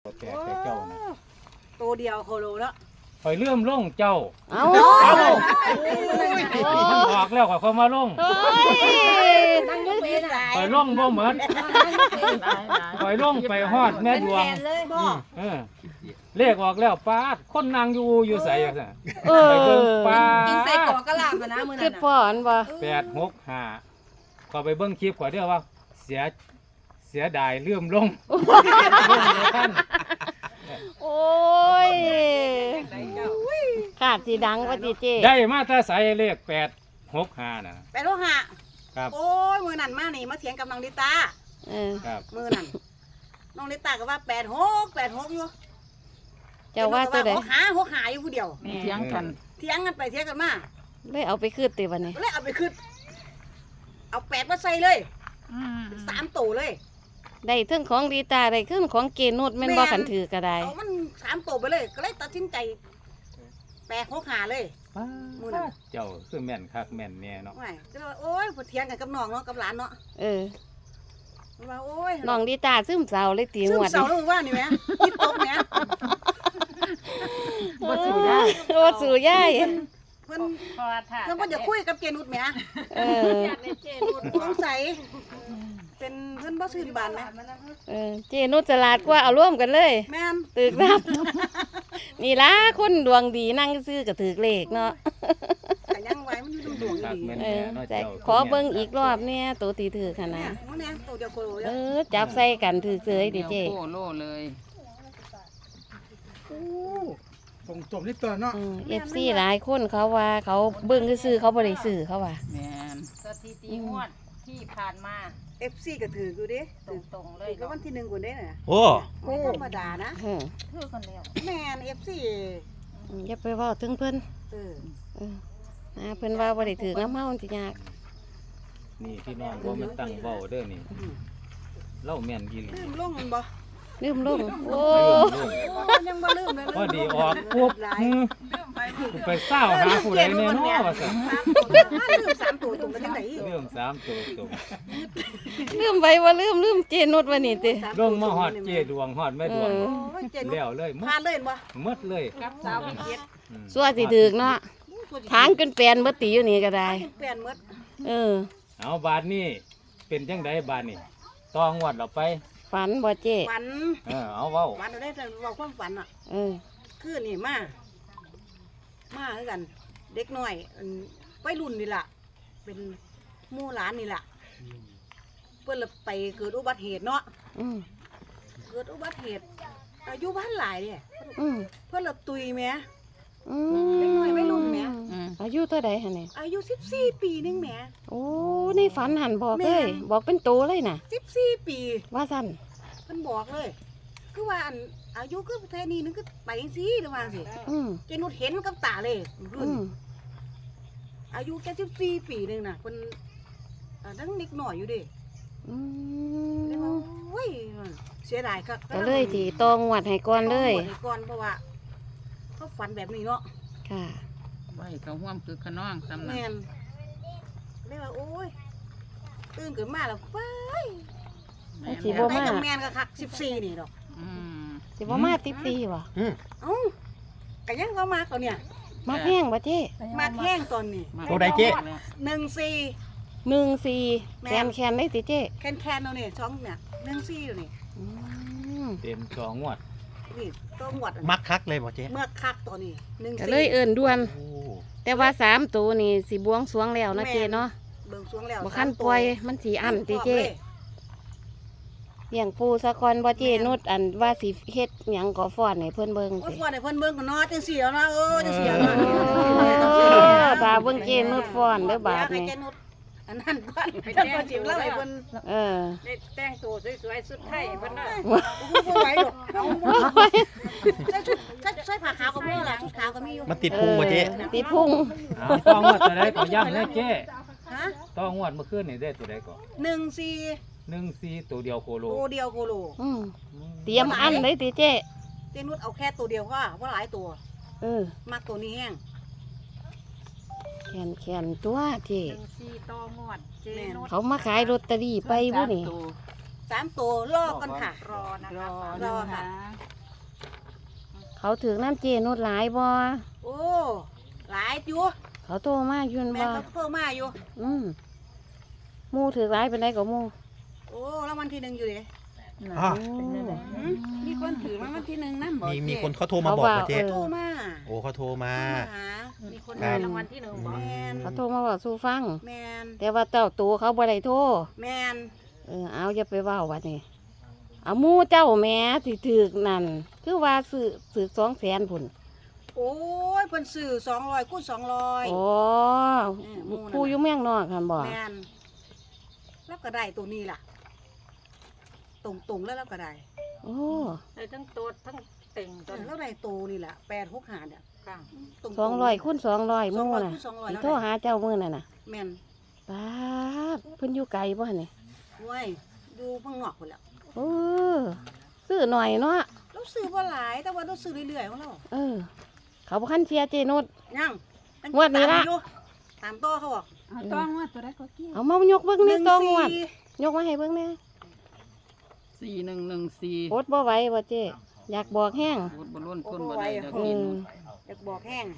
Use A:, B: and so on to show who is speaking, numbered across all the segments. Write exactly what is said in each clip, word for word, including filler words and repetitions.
A: แต่แต่เจ้านะ
B: ตัวเดียวโคโลแล้ว
A: คอยเลื่อมล่งเจ้า
C: เอา
A: เอามันออกแล้วก็เขามาล่ง
C: เฮ้ย
B: นั่งยกเว้นหลาย
A: คอยล่งบ่เหมือนคอยล่งไปฮอดแม่ดวง
B: เลยบ่
A: เออเลขออกแล้วปาดคนนางอยู่อยู่ใส่จังซั่น
C: เออ
A: ไปเบิ่งปา
B: กินใส่
A: ด
B: กอกกระลาบมานะมื้อ
C: คื
B: นั้
C: อน
B: น่ะ
C: พ่ออันบ่
A: แปดหกห้าก็ไปเบิ่งคลิปก่อนเด้อว่า เสียเสียดายเลื่อมลงลงเลยท่าน
C: โอ้ยขาดสิดังว่าติเจ
A: ได้มาแต่ใส่เลขแปดหกห้าน่ะ
B: ไปโลหะ
A: ครับ
B: โอ้ยมื้อนั้นมานี่มาเถียงกับน้องลิตา
C: เออ
A: ครับ
B: มื้อนั้นน้องลิตาก็ว่าแปดหก แปดหกอยู่
C: เจ้าว่าตัวใด
B: หาหกหาอยู่ผู้เดียว
D: เถียงกัน
B: เถียงกันไปเถียงกันมา
C: เลยเอาไปคืนติบัดนี้
B: เลยเอาไปขึ้นเอาแปดมาใส่เลย
D: อืม
B: สามตัวเลย
C: ได้เทั้งของดีตาได้เครื่องของเกนุดแม่นบ่ขันถือก็ได้
B: เอามันสามตัวไปเลย ก็เลยตัดสินใจแปดหกหาเลย มื้อนั้น
A: เจ้าคือแม่นคักแม่นแน่เนาะ
B: ไม่ก็เลยว่าโอ้ยพอเถียงกันกับน้องเนาะกับหลานเนาะ
C: เออ
B: ว่าโอ้ย
C: น้องดีตาซึมเศร้าเลยตี
B: ซึ่
C: ง
B: ง
C: วด
B: เสา
C: นี้
B: ลงว่านี่แหมคิดตบแหม
D: บ่สู้ได้
C: ว่าสู่ยาย
B: เพิ่น
D: พอท่า
B: เพิ่นบ่จะคุยกับเจนุชแหม
C: เออ
B: สงสัยเป็นเพิ่นบ่ซื่นบานแหม
C: เออเจนุดฉลาดกว่าเอาร่วมกันเลย
B: แม่น
C: ตึกรับ นี่ล่ะคนดวงดีนั่งซื้อก็ถือเลขเนาะ
B: ก็ยังไว้มันอยู่ดวง
A: คัก
B: ดี
A: แม่น
C: เอ
A: แน่
C: อ
A: เนาะ
C: แต่
A: เจ้า
C: ขอเบิ่งอีกรอบเนี่ยตัวตีถือขนา
B: เนี่ย
C: ด
B: มันแน่ตัวเดียวโคโล
C: เอ
B: เด้อ
C: อ จับใส่กันถือเสยดิเจ
D: โคโลเลย
E: ตรงจบนี่ตัวเนาะ
C: เอฟซีหลายคนเขาว่าเขาเบิ่งซื้อๆเขาบ่ได้ซื้อเขาว่า
D: แม่น
F: สถิติงวดที่ผ่านมา
B: เอฟซีก็ถืออยู่เด้
F: ตรงๆเล
B: ถื
F: ย
B: อแล้ววันที่หนึ่งคนได้น่ะ
E: โอ้
B: ไม่ธรรมดานะ
C: เออ
F: คือกันแล้ว
B: แม่นเอฟซี
C: อย่าไปเว้าถึงเพิ่น
B: เออ
C: เออนะเพิ่นว่าบ่ได้ถือน้ำเฮาสิยาก
A: นี่พี่น้องบ่มันตั้งเว้าเด้อนี่เล่าแม่นอีหลี
B: ลืมลงมันบ่
C: ลืมลงโอ้
A: ลืมลง
B: โอ้ยังบ่ลืมเลย
A: พอดีออกปุ๊บหือไปเศร้าหาผู้ใดแน่เนาะว่าซั่น
B: ลืมสามตัวตรงกันจังได๋
A: เรื่องสามตัวตรง
C: ลืมไปว่าลืมลืมเจนุดว่านี่ติ
A: ลงมาฮอดเจดวงฮอดแม่ดวง
C: เออ
B: โอ้ยเจนุช
A: แล้วเลยหม
B: พา
A: ด
B: เล่นบ่
A: หมดเลย
F: กับสาวพิเศษ
A: อืม
C: สัวสิถึกเนาะทางจนแปลนบ่ตีอยู่นี่ก็ได้
B: เปลี่ยนหมด
C: เออ
A: เอาบาดนี้เป็นจังไดบาดนี้ตองวดเราไป
C: ฝันบ่เจ
B: ฝัน
A: เออเอาเว้า
B: ฝันได้แต่เว้าความฝันอ่ะ
C: เออ
B: คือนี่มา มาคือกัน เด็กน้อยอันวัยรุ่นนี่ล่ะ เป็นหมู่หลานนี่ล่ะ เพิ่นละไปเกิดอุบัติเหตุเนาะ
C: อืม
B: เกิดอุบัติเหตุอายุบ้านหลายเด้
C: อืม
B: เพิ่นละตุยแหม
C: อื
B: เด็กน้อยวัยรุ่นแหม
D: อืม
C: อายุเท่าใดหั่นนี่
B: อายุสิบสี่ปีนึงแหม
C: โอ้ในฝันหันบอก
B: แม่
C: เลย
B: น
C: บอกเป็นโตเลยน่ะ
B: สิบสี่ปี
C: ว่าซั่น
B: เพิ่นบอกเลย คือว่าอันอายุคือแท้นี้นึงคือไปจังซี่หรือว่าจังซี่
C: อืม
B: เจนุชเห็นกับตาเลยรุ่
C: อื
B: น
C: ม
B: อายุแค่สิบสี่ปีนึงน่ะเพิ่นอ่าดังนิดหน่อยอยู่เด้
C: อื
B: เลยว่าม โอ้ยเสียดายคัก
C: ก็เลยสิตองวัดให้ก่อนเลย
B: ต้องบวชให้ก่อนเพราะว่าเขาฝันแบบนี้เนาะ
C: ค่ะ
D: ไว้เขาห่วมคือขน้องสำนัก
B: แม่นเลยว่าโอ้ยตื่นขึ้นมาแล้วไป
D: แม่น
C: สิ
D: แล้ว
C: บ่
B: ไป
C: มา
B: กับแม่นก็คักสิบสี่นี่ดอก
D: อืม
C: สิบ่มาสิบสี่บ่
B: เอ้าก็ยังว่ามาเขาเนี่ย
C: มาแห้งบ่เจ้
B: มาแห้งตอนนี้
D: มา
E: ตัวใดเจ๊
B: หนึ่งสี่
C: หนึ่งสี่
B: แม่
C: แคนแคนได้ติเจ้
B: แคนแคนเอาเนี่ยช่องเนี่ยหนึ่งสี่อยู่นี่
C: อืม
A: เต็มสองงวด
B: นี่ต้องหวดอัน
E: มักคักเลยบ่เจ๊
B: เมื่อคักตอนนี้หนึ่ง
C: ก็
B: สี่
C: เลยเอิ้นด่วน
E: โอ้
C: แต่ว่าสามตัวนี่สิบวงสรวงแล้วนะเจ้เนาะ
B: เบิ่งสวงแล้ว
C: บ่คันปล่อยมันสิอั้นติเจ้เลี้ยงปูสะกอนบ่เจ้นุดอันว่าสิเฮ็ดหยังก็ฟ้อนให้เพิ่นเบิ่ง
B: โอ้ย
C: ติ
B: ฟ้อนให้เพิ่นเบิ่งกันเนาะจังสี่แล้วนะเออจังสี่แล้วนะ
C: โอ้ตาเบิ่งเจ้นุดฟ้อนเด้อบาด
B: ให้
C: นี่
B: แกนุดอันนั้นก่อนท่านก็จิ๋วเล่าให้เพิ่น
C: เออ
F: ได้แต่งตัวสวยๆสุดไทยเพิ่นน่ะ
B: บ่ไหวดอกเอาใส่ชุดใส่ใส่ผ้าขาวก็มีล่ะชุดขาวก็มีอยู่
E: มันติดพุงบ่เจ๊
C: ออติดพุง
A: เอาตองวดตัวใดก็ย้ำเลยเจ้
B: ฮะ
A: ตองวดเมื่อคืนนี่ได้ตัวใดก็
B: หนึ่งสี่
A: หนึ่งสี่ตัวเดียวโคโล
B: ตัวเดียวโคโล
C: อืมเตรียมอันเลยติเจ้
B: เจนุดเอาแค่ตัวเดียวก็ว่าหลายตัว
C: เออ
B: มักตัวนี้แห้ง
C: แขนแขนตัวเจ้
F: หนึ่งสี่ต่อหมวดเจนุช
C: เขามาขายลอตเตอรี่ไปบ่นี่
B: สามตัวลอกกันค่ะ
F: รอนะ
D: ร
F: คะ
D: อ
B: รอค่ะ
D: น
C: เขาถือน้ำเจนุดหลายบ่
B: โอ้หลายอยู่
C: เขาโทรมาอยืน
B: แม่
C: บ่
B: เขาเพิ่มมาอยู่
C: อืมหมู่ถือหลายเป็นไดก็หมู่
B: โอ้รางวัลที่หนึ่งอยู่เลย
E: อ่ะ
B: มีคนถือรางวัลที่หนึ่งนั่นบอก
E: มีมี
B: เจ๊
E: คนเขาโทรมาบอกเหรอเจ๊
B: โทรมา
E: โอ้เขาโทรมา
B: โทรมาหา
F: มีคน
E: ครั
F: ได้
E: บ
F: รางวัลที่หนึ่งบอก
B: แมน
C: เขาโทรมาบอกสู่ฟัง
B: แมน
C: แต่ว่าเจ้าตัวเขาบ่ได้โทร
B: แมน
C: เออเอาอย่าไปเว้าบัดนี้เอาหมู่เจ้าแหม่สิถือกนั่นคือว่าซื้อซื้อสองแสนพุ่น
B: โอ้ยเพิ่นซื้อสองร้อยคูณสองร้อย
C: โอ้
B: เออหมู่นั่นน่ะ
C: ผู้อยู่เมืองนอกคั่นบ่
B: แมนแล้วก็ได้ตัวนี้ล่ะ ตรงตรงๆแล้วเราก็ได้
C: โอ้
F: ได้ทั้งตัวทั้งเต่ง
B: เอ
F: ตัว
B: อแล้วได้ตัวนี่ล่ะแปดหกหาเนี่ย
F: ค่ะ
B: ตรงๆ
C: สองร้อยคูณสองร้อยห
B: สอง
C: มู่
B: ร้อย
C: น่ะ
B: คูณสองร้อย
C: สิ
B: แล้ว
C: โทร
B: ได้
C: หาเจ้ามื้อนั่นน่ะ
B: แมน
C: ป๊าดเพิ่นอยู่ไกลบ่หั่นนี่
B: เว้ยอยู่เพิ่งนอกคนแล้ว
C: เออซื้อหน่อยเนาะ
B: เราซื้อบ่หลายแต่ว่าเราซื้อเรื่อยๆของเรา
C: เออ เขาบ่คันเชียร์เจนุด
B: ยัง
C: งวดนี้ละ
B: ตามอยู่ตามต่อเขาบอก
F: เอาต้องว่าตัวได้ก็กี่
C: เอามายกเบิ่งนี่ตองวด
B: หนึ่สี่
C: ยกมาให้เบิ่งแหน่
D: สี่หนึ่งหนึ่งสี่
C: อดบ่ไหวบ่เจอยากบอกแห้ง
D: พูดบอลลูนคนบ่ได้เดี๋ยว
C: เอ
D: กิน
C: อ
B: อยากบอกแห้ง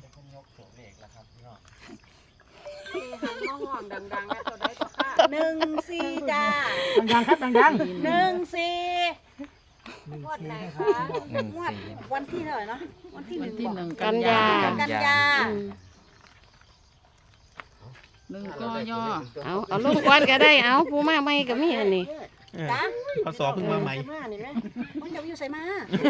F: ที่หันมาห่วงดังๆนะตัวได้ก็ค่ะ
B: หนึ่งสี่จ้า
E: ดังๆครับดัง
B: หนึ่งสี่
F: งวดไหนคะ
A: หนึ่ง
B: งวด
A: สี่
B: วันที่เท่าไหร่เนาะวันที่ห
D: วั
B: นึ่
D: น
B: ง
D: ที่
B: บอก
D: หนึ่ง
C: กันยา
B: กันยา
C: อืม
D: หนึ่งก็ย่อ
C: เอาเอาลงก่อนก็ได้เอาผู้มาใหม่ก็มีอันนี้
E: ๆเออ
B: จ้า
E: เขาสอเพิ่งมาใหม่
B: มานี่ไหมมันจะอยู่ใส่มา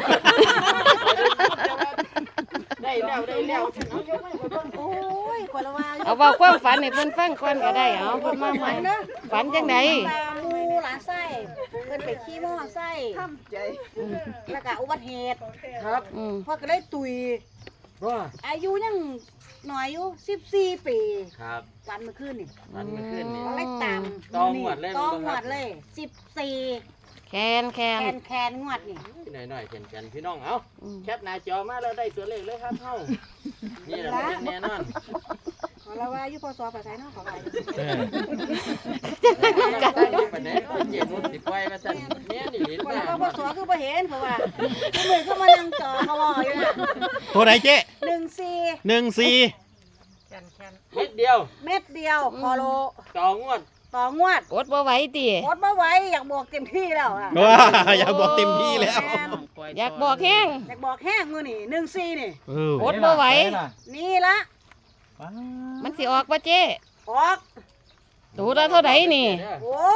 F: ได้แล้วได้แล้ว
B: โอ้ยคนละว่า
C: เอาเว้าความฝันให้เพิ่นฟังก่อนก็ได้เอาเพิ่นมาใหม่
B: เนาะ
C: ฝันจังได
B: ตามูหลานไส้เพิ่นไปขี่มอไซค์แล้วก็อุบัติเหตุ
C: อืม
B: พ่อก็เลยตุย
G: ว่า
B: อายุยังหน่อยอยู่สิบสี่ปี
G: ครับ
B: วันเมื่อคืนนี่
G: วันเมื่อคืนนี่
B: ก็เลยตาม
G: ต้องงวดเลย
B: ต้อง
G: บ่
B: ง
G: ครับ
B: วดเลยสิบสี่
C: แคนแค
B: แคน นแคนงวดนี่
G: หน่อยหน่อยๆแข็งๆพี่น้องเอ้า
C: อืม
G: แคปหน้าจอมาแล้วได้ตัวเลขเลยครับเฮ้านี่แหละเป็นแน่นอน
B: ขอเราว่าอยู่พอสอบภาษาเนาะขอไป
E: เออ
G: ประเด็นก็เจ็ดสิบไว้มาสั่นแม่นี่ลิ้น
B: คน
G: มา
B: เราพอสอบคือบ่เห็นเพราะว่าคือมือก็มานั่งจอเขาบอกอยู่น่ะ
E: ตัวไหนเจ๊
B: หนึ่งสี่
E: หนึ่งสี่
F: แคนแคน
G: เม็ดเดียว
B: เม็ดเดียวพอโล
G: ต่องวด
B: ต่องวด
C: อดบ่ไหวติ
B: อดมาไหว้อยากบอกเต็มที่แล้วอ่ะ
E: ว้าอยากบอกเต็มที่แล้ว
C: อยากบอกแห้ง
B: อยากบอกแห้งมือนี่หนึ่งสี่นี่
E: เออ
C: อดบ่ไหว
B: นี่ละ
A: ป๊าด
C: มันสิออกบ่เจ
B: ออก
C: ตัวละเท่าใดนี่
B: โอ้